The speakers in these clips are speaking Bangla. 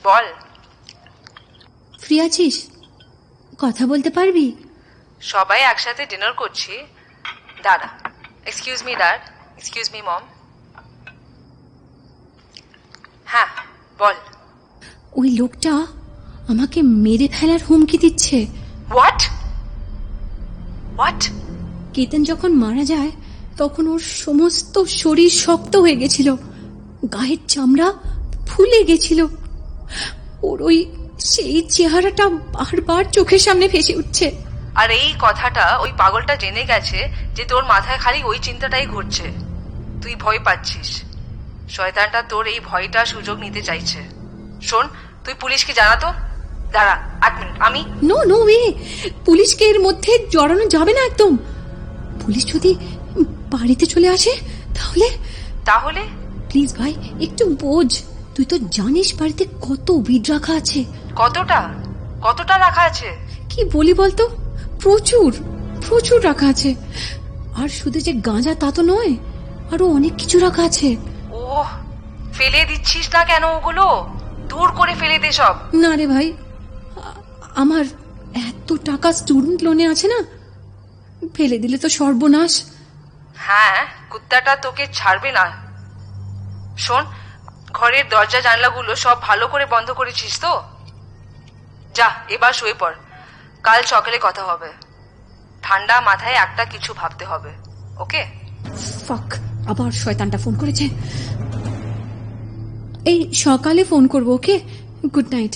বল। ফ্রি আছিস? কথা বলতে পারবি? সবাই একসাথে ডিনার করছি, দাঁড়া। Excuse me dad, excuse me mom. হ্যাঁ বল। ওই লোকটা আমাকে মেরে ফেলার হুমকি দিচ্ছে। What what? কেতন যখন মারা যায় তখন ওর সমস্ত শরীর শক্ত হয়ে গেছিল, গায়ের চামড়া ফুলে গেছিল। ওর ওই সেই চেহারাটা বারবার চোখের সামনে ভেসে উঠছে। আর এই কথাটা ওই পাগলটা জেনে গেছে যে তোর মাথায় খালি ওই চিন্তাটাই ঘুরছে। তুই ভয় পাচ্ছিস। শয়তানটা তোর এই ভয়টা সুযোগ নিতে চাইছে। শোন, তুই পুলিশকে জানাতো। দাঁড়া 1 মিনিট, আমি নো নো ওয়ে, পুলিশকে এর মধ্যে জড়ানো যাবে না একদম। পুলিশ যদি বাড়িতে চলে আসে তাহলে? তাহলে প্লিজ ভাই একটু বোঝ, তুই তো জানিস বাড়িতে কত উইড রাখা আছে। কতটা কতটা রাখা আছে? কি বলি বলতো, প্রচুর প্রচুর রাখা আছে। আর শুধু যে গাঁজা তা তো নয়, আরো অনেক কিছু রাখা আছে। ওহ, ফেলে দিচ্ছিস না কেন ওগুলো? দূর করে ফেলে দে সব। না রে ভাই, আমার এত টাকা স্টুডেন্ট লোনে আছে না, ফেলে দিলে তো সর্বনাশ। হ্যাঁ, কুত্তাটা তোকে ছাড়বে না। শোন, ঘরের দরজা জানলাগুলো সব ভালো করে বন্ধ করেছিস তো? যা এবার শুয়ে পড়, কাল সকালে কথা হবে। ঠান্ডা মাথায় একটা কিছু ভাবতে হবে, ওকে? ফাক, আবার শয়তানটা ফোন করেছে। এই সকালে ফোন করবো, ওকে? Good night.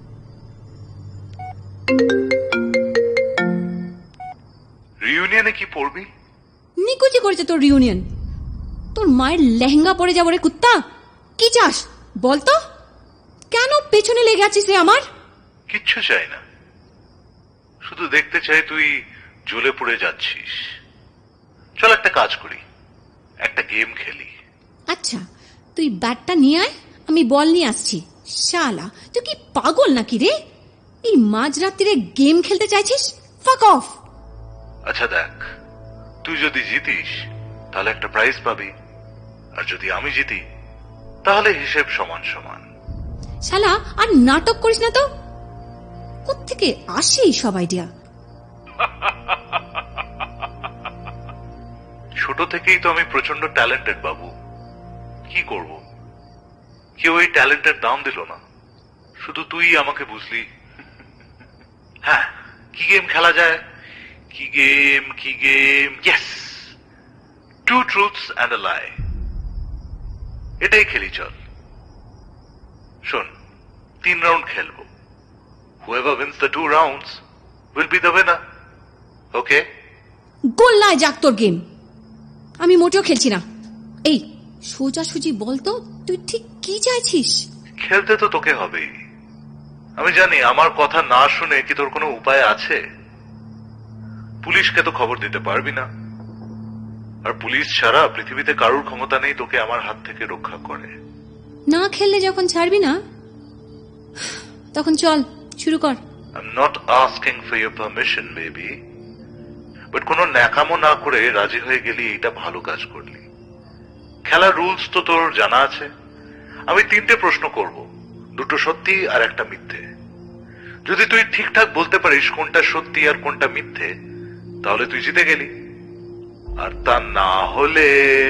রিউনিয়নে কি পড়বি? নিকুচি করেছে তোর রিউনিয়ন। তোর মায়ের লেহেঙ্গা পরে যাবো রে কুত্তা। কি চাস বলতো? কেন পেছনে লেগে আছিস রে আমার? কিচ্ছু চাই না, শুধু দেখতে চাই তুই জ্বলে পড়ে যাচ্ছিস। চল একটা কাজ করি, একটা গেম খেলি। আচ্ছা, তুই ব্যাটটা নিয়ে আয়, আমি বল নিয়ে আসছি। শালা তুই কি পাগল নাকি রে? এই মাঝরাত্রিরে গেম খেলতে চাইছিস? ফাক অফ। আচ্ছা দেখ, তুই যদি জিতিস তাহলে একটা প্রাইজ পাবি, আর যদি আমি জিতি তাহলে হিসেব সমান সমান। শালা আর নাটক করিস না তো। কোত্থেকে আসে সব আইডিয়া? ছোট থেকেই তো আমি প্রচন্ড ট্যালেন্টেড বাবু। কি করব, কেউ এই ট্যালেন্টের দাম দিল না, শুধু তুই আমাকে বুঝলি। হ্যাঁ, কি গেম খেলা যায়? কি game yes, 2 truths and a lie. এটাই খেলি, চল। শোন, 3 রাউন্ড খেলবো। Whoever wins the 2 rounds will be the winner. Okay? গোল্লায় যাক তোর গেম, আমি মোটেও খেলছি না। এই সোজাসুজি বলতো, তুই ঠিক কি চাইছিস? খেলতে তো তোকে হবেই। আমি জানি আমার কথা না শুনে কি তোর কোনো উপায় আছে? পুলিশকে তো খবর দিতে পারবি না, আর পুলিশ ছাড়া পৃথিবীতে কারোর ক্ষমতা নেই তোকে আমার হাত থেকে রক্ষা করে। না খেললে যখন ছাড়বি না, তখন চল শুরু কর। I'm not asking for your permission, baby. But কোনো ন্যাকামো না করে রাজি হয়ে গেলি, এটা ভালো কাজ করলি। খেলার রুলস তো তোর জানা আছে। আমি 3টে প্রশ্ন করব, 2টো সত্যি আর একটা মিথ্যে। যদি তুই ঠিকঠাক বলতে পারিস কোনটা সত্যি আর কোনটা মিথ্যে, তাহলে তুই জিতে গেলি। আর তা না হলে...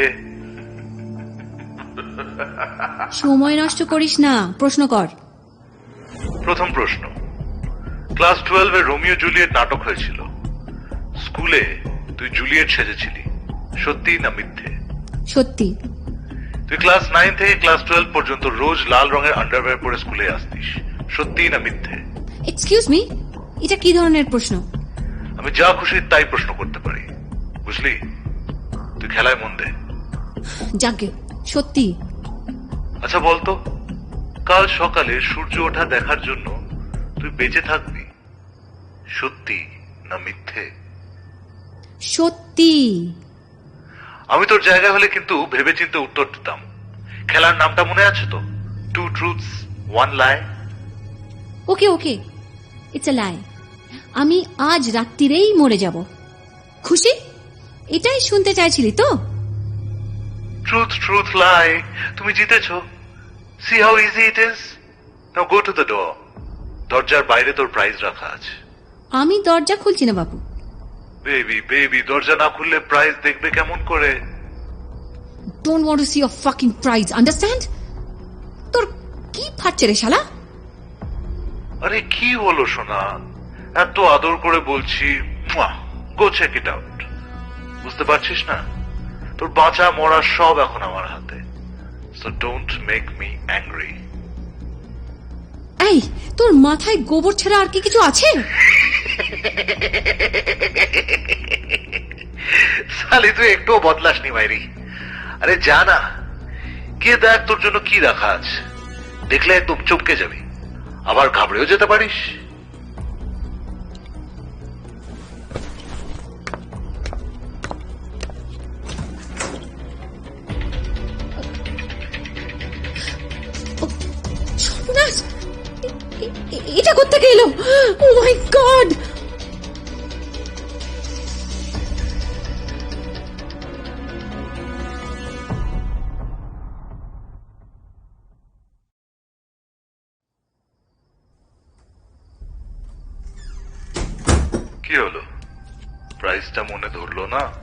সময় নষ্ট করিস না, প্রশ্ন কর। প্রথম প্রশ্ন, ক্লাস 12-এ রোমিও জুলিয়েট নাটক হয়েছিল। স্কুলে তুই জুলিয়েট সেজেছিলি, সত্যি না মিথ্যে? সত্যি। তুই ক্লাস 9 থেকে ক্লাস 12 পর্যন্ত রোজ লাল রঙের আন্ডারওয়্যার পরে স্কুলে আসতিস, সত্যি না মিথ্যে? এক্সকিউজ মি, এটা কি ধরনের প্রশ্ন? আমি যা খুশি তাই প্রশ্ন করতে পারি, বুঝলি? তুই খেলায় মন দে। যাকে সত্যি। আচ্ছা বলতো, কাল সকালে সূর্য ওঠা দেখার জন্য তুই বেঁচে থাকবি, সত্যি না মিথ্যে? সত্যি। আমি তোর জায়গায় হলে কিন্তু ভেবেচিন্তে উত্তর দিতাম। খেলার নামটা মনে আছে তো? 2 truths 1 lie. Okay okay, it's a লাই। আমি আজ রাত্রিরেই মরে যাব। খুশি? এটাই শুনতে চাইছিলি তো? ট্রুথ লাই, তুমি জিতেছো। See how easy it is. Now go to the door. দরজার বাইরে তোর প্রাইজ রাখা আছে। আমি দরজা খুলছি না বাবু। বেবি বেবি, দরজা না খুললে প্রাইজ দেখবে কেমন করে? Don't want to see your fucking prize, understand? তোর কি ফাটছে রে শালা? আরে কি হলো সোনা, এত আদর করে বলছি, গো চেক ইট আউট। বুঝতে পারছিস না? তোর বাঁচা মরা সব এখন আমার হাতে। So don't make me angry. এই, তোর মাথায় গোবর ছাড়া আর কি কিছু আছে? সালি তুই একটুও বদলাসনি মাইরি। আরে যা না, কে দেখ তোর জন্য কি রাখা আছে। দেখলে একদম চমকে যাবি, আবার ঘাবড়েও যেতে পারিস। সর্বনাশ! এটা কোত্থেকে এলো? Oh my god! কি হলো, প্রাইসটা মনে ধরলো না?